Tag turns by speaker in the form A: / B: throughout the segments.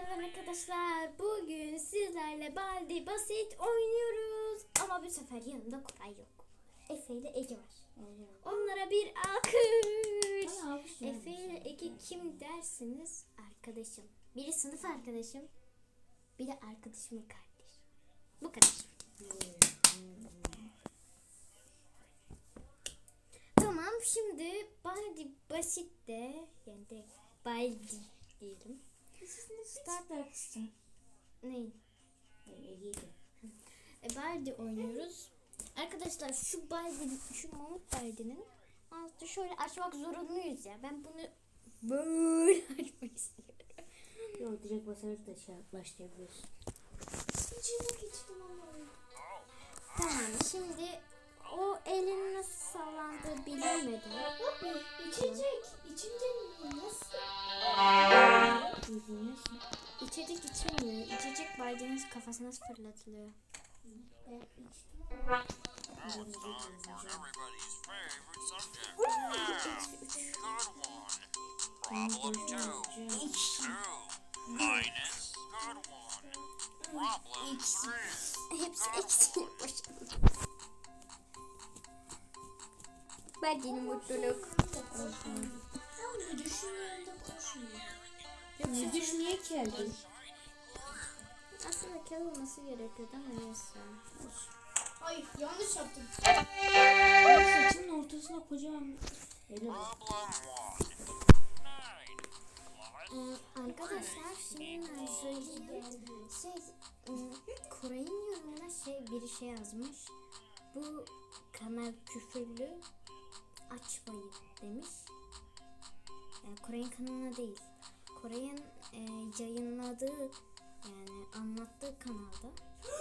A: Merhaba arkadaşlar. Bugün sizlerle Baldi Basit oynuyoruz. Ama bu sefer yanımda Koray yok. Efe ile Ege var. Onlara bir alkış. Efe ile Ege kim dersiniz? Arkadaşım. Biri sınıf arkadaşım. Biri arkadaşımın kardeşi. Bu kadar. Tamam, şimdi Baldi Basit de yani de Baldi diyelim.
B: Start arkadaşlar.
A: Ne? Baldi oynuyoruz. Arkadaşlar şu Mahmut Baldi'nin altı şöyle açmak zorunluyuz ya. Ben bunu böyle açmak istiyorum.
B: Yok, direkt basarak da başlayabiliyorsun.
A: Tamam, şimdi o elin nasıl sallandığı bilinmedi.
C: İçecek nasıl?
A: İçecek içilmiyor. İçecek Baldi'nin kafasına fırlatılıyor.
C: Ben içtim.
D: Everybody's favorite subject. Good one. Problem 2. 2 minus good one. Problem 3.
A: Hepsi eksiğe başladı. Baldi'nin mutluluk.
C: Müdüşün yanında koşmuyor.
B: Müdüş niye geldi?
A: Aslında kel olması gerekiyordu ama neyse.
C: Ay yanlış yaptım.
B: Saçının ortasına kocaman.
D: Problem 1. 9
A: Arkadaşlar şimdi ben söyleyeyim. Koray'ın yorumuna biri şey yazmış. Bu kanal küfürlü, açmayın demiş. Koray'ın kanalına değil. Koray'ın yayınladığı yani anlattığı kanalda.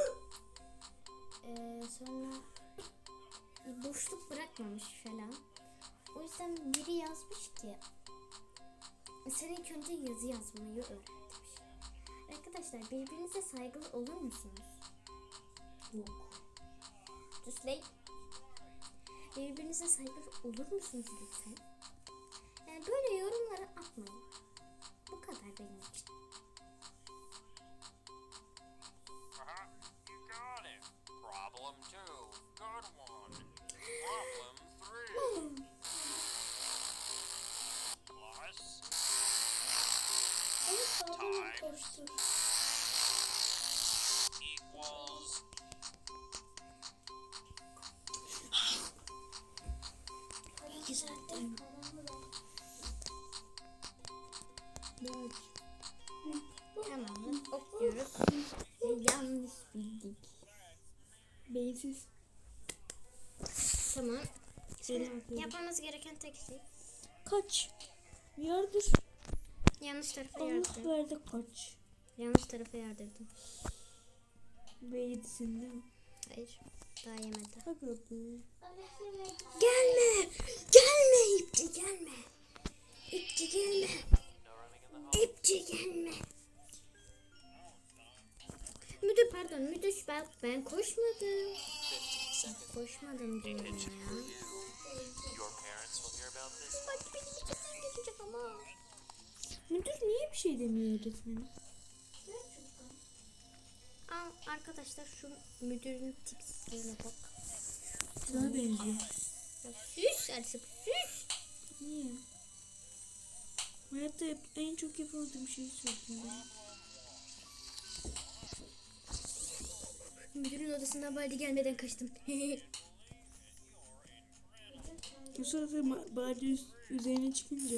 A: Sonra boşluk bırakmamış falan. O yüzden biri yazmış ki sen ilk önce yazı yazmayı öğren demiş. Arkadaşlar birbirinize saygılı olur musunuz?
B: Yok.
A: Düsley. Birbirinize saygılı olur musunuz lütfen? Yani böyle yorumları atmayın. Bu kadar benim için.
D: You got it. Problem 2. Good one. Problem 3. Plus
C: Ama sağdan koştu.
D: equals
B: Güzel değil mi?
A: Tamam, okuyoruz. Yanlış bildik.
B: Beyinsiz.
A: Tamam. Yapmamız gereken tek şey
B: Kaç. Yardır.
A: yanlış tarafa
B: Allah
A: yardırdım.
B: verdi kaç.
A: Yanlış tarafa yardırdım.
B: Beyinsin değil mi?
A: Hayır, daha yemedi.
B: Hadi be.
A: Gelme! Gelme ipçi gelme! İpçi gelme! İpçi gelme! Müdür pardon müdür ben koşmadım. Koşmadım diyorum ya.
D: your parents will hear about this.
A: Bak benim içimden geçecek ama.
B: Müdür niye bir şey demiyor öğretmenim?
A: Arkadaşlar şu müdürün tipsizliğine bak.
B: Sana benziyor.
A: Ya süs artık süs.
B: Niye? Hayatta en çok yapamadığım şeyi söyledim ben.
A: Müdürün odasından Baldi gelmeden kaçtım.
B: O sırada bari üzerine çıkınca.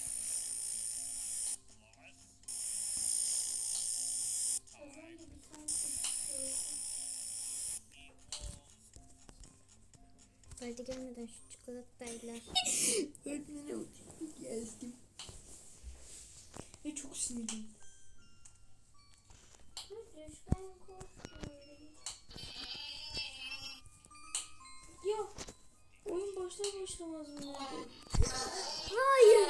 A: Baldi gelmeden şu çikolatayla.
B: Öğretmenim geldim. Ve çok sinirliyim.
C: Müdüşten koşmuyor.
B: Ya oyun başlar başlamaz mı?
A: Hayır.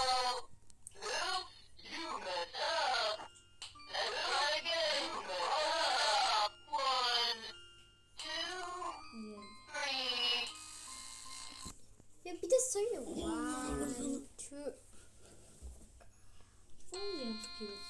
A: Ya bir de sayıyor. Wow.
B: Son yaptık ya.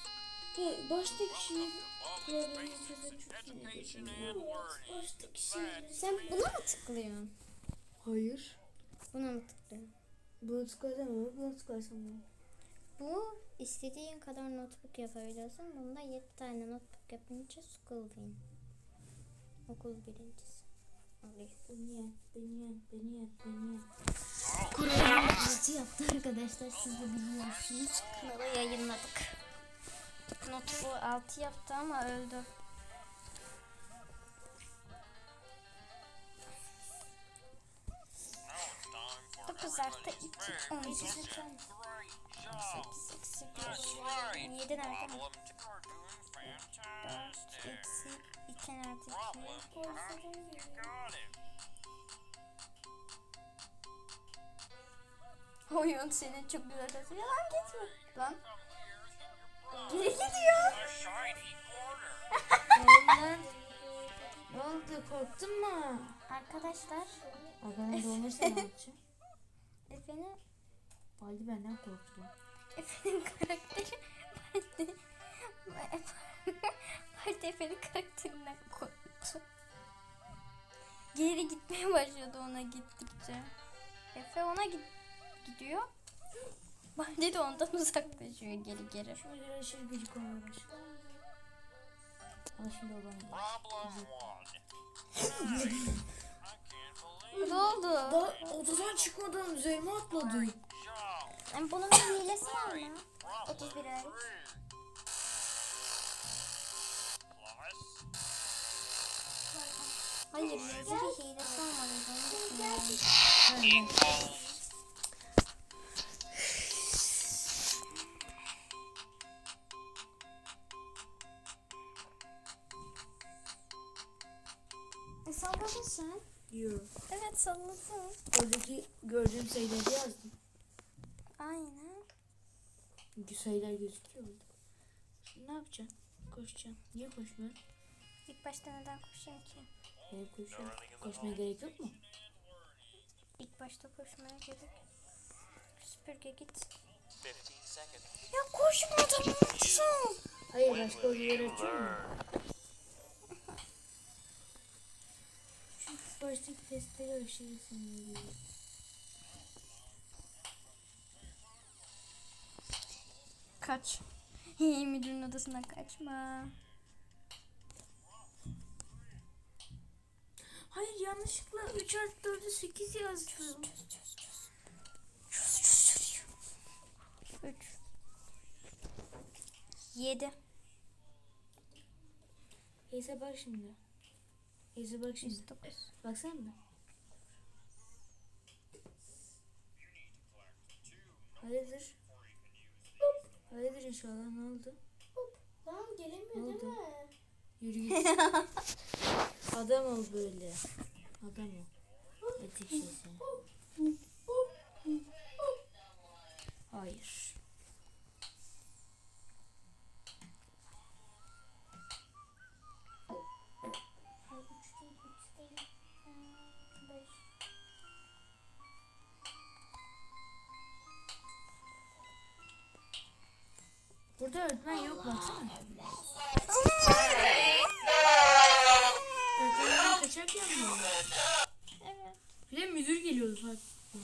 B: baştaki şey problemi
D: basic
B: çözen çok
D: education
B: sinirlendim.
D: and learning.
B: Baştaki şey.
A: Sen buna mı tıklıyorsun?
B: Hayır.
A: Buna mı tıklıyorsun?
B: Bunu tıklarsam olur, bunu tıklarsam olur.
A: Bu istediğin kadar notebook yapabiliyorsun. Bunda 7 tane notebook yapınca school win. Okul birincisi oluyor.
B: Beni yen.
A: Kur'an'ın 6 yaptı arkadaşlar. Siz de biliyorsunuz. Kanala yayınladık. Notebook 6 yaptı ama öldü.
D: Now it's time for
A: 9 artı
D: everybody's
A: 2,
D: favorite
A: 12.
D: subject. Great job.
A: 8 eksi 1.
D: That's right.
A: 7 nerede?
D: Problem 2 are doing
A: 4
D: fantastic.
A: eksi 2 artı 2.
D: Problem 5, you got it.
A: Oyun senin çok güzel yazıyor. Lan gitme. Lan. Geri gidiyor.
D: A shiny quarter.
B: Ne oldu? Korktun mu?
A: Arkadaşlar.
B: Arkadan dolmuşsa ne yapacağım?
A: Efe'nin
B: Baldi benden korktu.
A: Efe'nin karakteri Baldi Efe'nin karakterinden korktu. Geri gitmeye başladı ona gittikçe. Efe ona gidiyor. Baldi de ondan uzaklaşıyor geri.
B: Şimdi aşırı gıcık olmaya başladı. Ama şimdi o bana
D: Problem 1. I can't believe
A: Ne oldu?
B: daha odadan çıkmadan üzerime atladı.
D: job.
A: Yani bunun bir hilesi var mı?
D: Problem
A: 31 ay.
D: 3. Plus
A: Hayır yazı bir hilesi olmalıydı. Onu düşünüyorum.
D: equals.
A: Salladın sen.
B: Yok.
A: Evet salladın.
B: Oradaki gördüğüm sayıları yazdım.
A: Aynen.
B: Çünkü sayılar gözüküyor orada. Şimdi ne yapacaksın? Koşacaksın. Niye koşmuyorsun?
A: İlk başta neden koşayım ki?
B: Hayır koşuyorum. Koşmaya gerek yok mu?
A: İlk başta koşmaya gerek. Süpürge git.
D: 15 seconds.
A: Ya koşmadım unuttum.
B: Hayır başka odaları açıyor mu? Çünkü baştaki testleri aşırı sinirli.
A: Kaç. Müdürün odasından kaçma.
B: Hayır yanlışlıkla 3 artı 4'ü 8 yazdım.
A: 3 7
B: Neyse bak şimdi. Neyse bak şimdi.
A: 9
B: Baksana mı? Hayırdır? Hayırdır inşallah ne oldu?
C: Lan gelemiyor
B: Ne
C: değil
B: oldu?
C: mi?
B: Yürü git. Adam ol böyle. Adam ol. Etik şeysi. Hayır. Burada öğretmen yok baksana. Öğretmenden kaçarken mi?
A: Evet.
B: Bir de müdür geliyordu fark.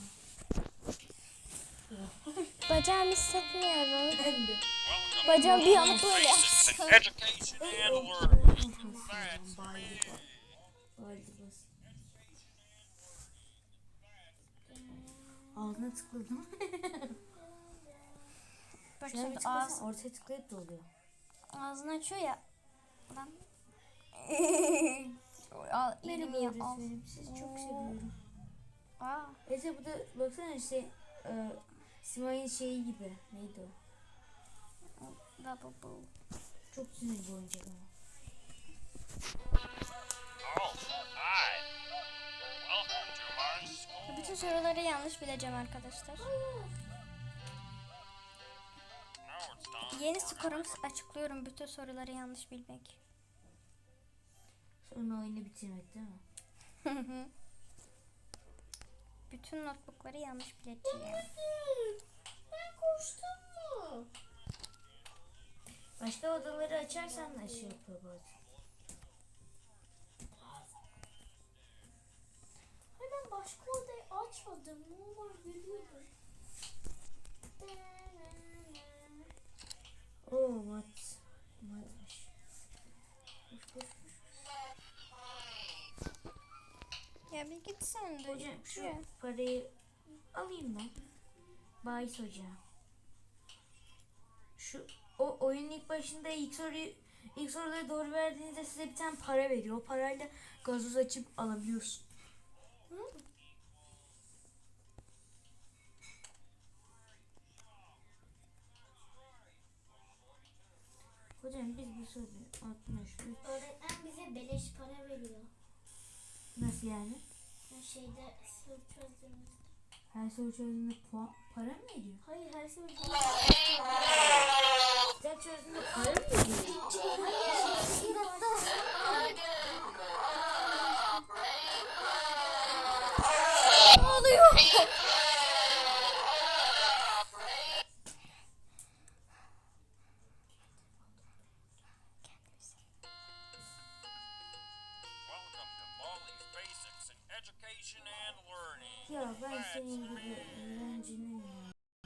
A: Bacağımı hissetmiyorum.
B: Ben de.
A: Bacağım bir anda böyle
D: Basic
A: yapsın.
D: education and learning. That's me.
B: Baldi bas. Ağzına tıkladım.
A: Bak
B: Şuna bir
A: şimdi
B: tıklasana ortaya tıklayıp da oluyor.
A: ağzını açıyor ya. Lan. Al elimi
B: Merhaba
A: ya al.
B: öğretmenim sizi çok seviyorum.
A: Aa.
B: Ece bu da baksana Simay'ın şeyi gibi. Neydi o?
A: Lavabo.
B: Çok sinirli bir oyuncak ama.
D: Oh, hi. Welcome to my school.
A: Bütün soruları yanlış bileceğim arkadaşlar.
D: Now it's time
A: Yeni
D: for
A: skorumuz açıklıyorum bütün soruları yanlış bilmek.
B: Sonra oyunu bitirmek değil mi?
A: Bütün notebookları yanlış bileceğim.
C: Ben koştum mu?
B: Başka odaları açarsan da şey yapıyor bazen.
C: Hayır ben başka odayı açmadım. Normal görüyordum.
B: Oo mat. Matmış. Koş koş koş.
A: Ya bir git sen de.
B: Hocam şu
A: Ya.
B: parayı alayım ben. Bahis hocam. Şu o oyunun ilk başında ilk soruları doğru verdiğinizde size bir tane para veriyor. O parayla gazoz açıp alabiliyorsun. Hocam biz bu soruyu 63.
C: Öğretmen bize beleş para veriyor.
B: Nasıl yani?
C: Şeyde soru çözdüğümüzde.
B: Her soru çözdüğünde para mı veriyor?
C: Hayır her soru
B: Kitap çözdüğünde para mı veriyor?
A: Ne oluyor?
D: Welcome to Baldi's Basics in Education and Learning.
B: Ya ben senin gibi öğrencinin